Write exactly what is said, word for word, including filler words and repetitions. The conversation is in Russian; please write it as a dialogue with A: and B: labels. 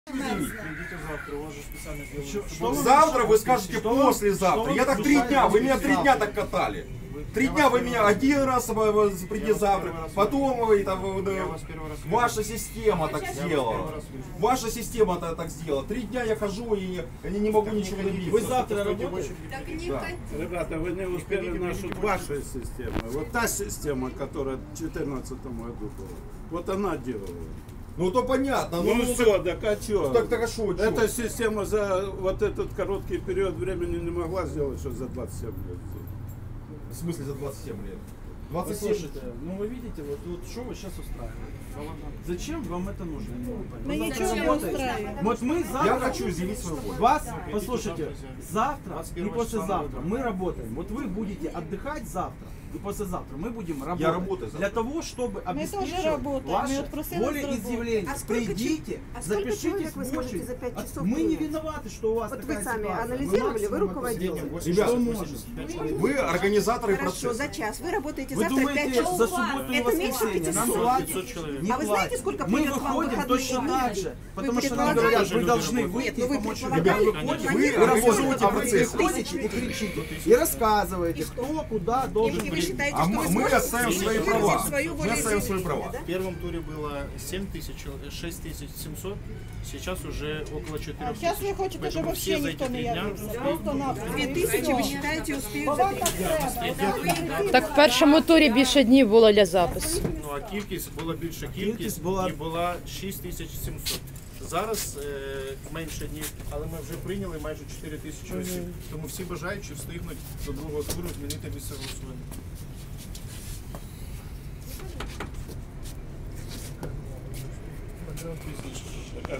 A: Придите завтра, у вас же специально делают.
B: Завтра вы скажете послезавтра. Я так три дня, вы меня три дня так катали. Три дня вы меня один раз приди завтра, потом вы там ваша система так сделала. Ваша система так сделала. Три дня я хожу и не могу ничего добиться.
A: Вы завтра работаете?
C: Да.
D: Ребята, вы не успели нашу вашей систему. Вот та система, которая в две тысячи четырнадцатом году была, вот она делала.
B: Ну то понятно.
D: Ну,
B: ну
D: все, так а что?
B: Так хорошо. чё?
D: Эта система за вот этот короткий период времени не могла сделать, что за двадцать семь лет.
B: В смысле за двадцать семь лет? двадцать семь.
A: Послушайте, ну вы видите, вот, вот что вы сейчас устраиваете? Зачем вам это нужно?
E: Мы
A: Вы
E: ничего
A: завтра
E: не
A: работаете?
E: устраиваем.
A: Вот мы завтра...
B: Я хочу изъявить свою волю.
A: Вас, послушайте, завтра и послезавтра мы работаем. Вот вы будете отдыхать завтра и послезавтра. Мы будем работать.
B: Я работаю завтра.
A: Для того, чтобы
E: Мы тоже
A: обеспечивать
E: работаем. Мы
A: ваше
E: вот просили нас
A: волеизъявление.
F: А сколько
A: Придите,
F: чё- а сколько
A: запишитесь
F: человек вы
A: в
F: сможете
A: очередь.
F: за пять
A: А
F: часов
A: Мы не
F: принять?
A: виноваты, что у вас
F: Вот
A: такая
F: вы сами
A: ситуация.
F: анализировали, вы
A: максимум
F: руководитель.
B: Ребят,
A: Что может?
B: Вы организаторы
F: Хорошо,
B: процесса.
F: за час. Вы работаете
A: Вы
F: завтра
A: думаете,
F: пять часов.
A: за субботу и
F: Это меньше
A: воскресенье нам
F: пятисот.
A: платят? Не
F: А вы знаете,
A: платят.
F: сколько
A: Мы
F: придет вам
A: выходим
F: выходные
A: точно
F: дни?
A: так же, потому что нам
F: предполагаете?
A: говорят, вы должны
F: Нет,
A: выйти
F: ну
A: и
F: вы
A: помочь
F: предполагаете?
A: людям. Вы выходите,
B: Вы
A: вы работаете
B: организуете
A: в
B: процесс.
A: тысячи и кричите, и рассказываете, кто куда должен
F: И вы
A: быть.
F: считаете,
B: А
F: что
B: мы
F: вы
B: мы
F: сможете
B: оставим свои
F: выразить
B: права.
F: свою
B: Мы оставим свои
F: волеизъявление,
B: права.
F: да?
G: В первом туре было семь тысяч, шесть тысяч семьсот, сейчас уже около четырёх
E: А сейчас вы хотите,
G: Поэтому
E: чтобы
G: все
E: вообще
G: за
E: никто
G: эти
E: не
G: три дня
E: явился.
G: успеют.
E: Просто-напросто.
F: Две тысячи, вы считаете, успеют за три дня?
C: Так в першому турі більше днів було для запису.
G: Ну а кількість була більша
A: Кількість
G: кількість
A: була-
G: і була шість тисяч сімсот. Зараз е, менше днів, але ми вже прийняли майже чотири тисячі осіб. Тому всі бажаючі встигнуть до другого туру змінити місце голосування.
D: Так,